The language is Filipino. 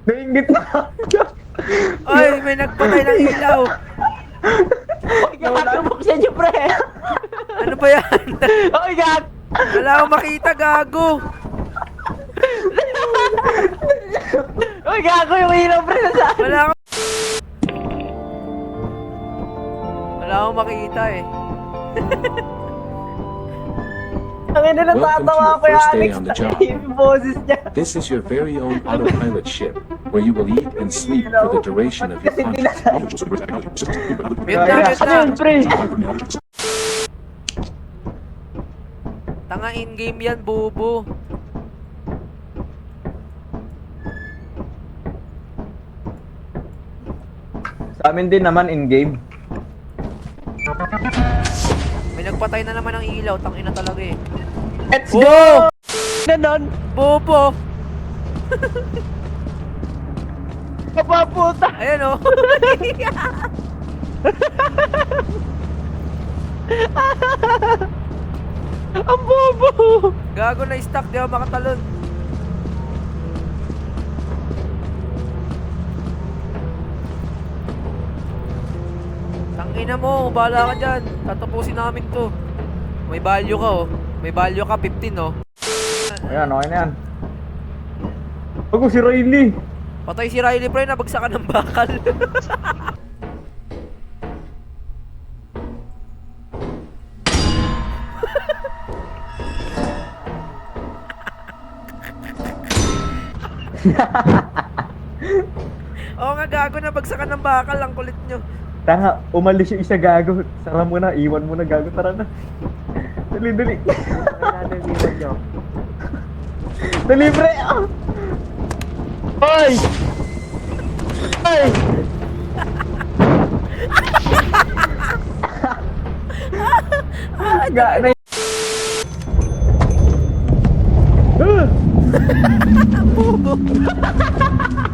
Nainggit na. Ay, may nagpatay ng ilaw. Oy, gago, buksan niyo, pre. Ano ba yan? Oy, gago. Wala akong makita, gago. Oy, gago yung ilaw, pre, nasaan? Wala akong makita eh. Ang ina, natatawa ko yung Alex on the na job. yung boses niya. This is your very own autopilot ship, where you will eat and sleep for the duration of your Kasi contract. Mute na, mute Ano na. yun, pre? Tanga in-game yan, bubo. Sa amin din naman in-game. May nagpatay na naman ng ilaw, tangina talaga eh. Let's Oh! go! Ganon. Bobo! Kapaputa. Ayan oh. Ang bobo. Gago na stuck, di ako makatalon. Tangina mo, bahala ka dyan. Tatapusin namin to. May value ka oh. May value ka, 15 oh. Ayan, okay na yan. Ako si Riley. Patay si Riley pre, nabagsakan ng bakal. Oo nga gago, nabagsakan ng bakal, ang kulit nyo. Tanga, umalis yung isa gago. Sara mo na, iwan mo na gago. Tara na. Dali, dali. Dali, pre. Ah. Hoy! Hoy! Ga na Bobo.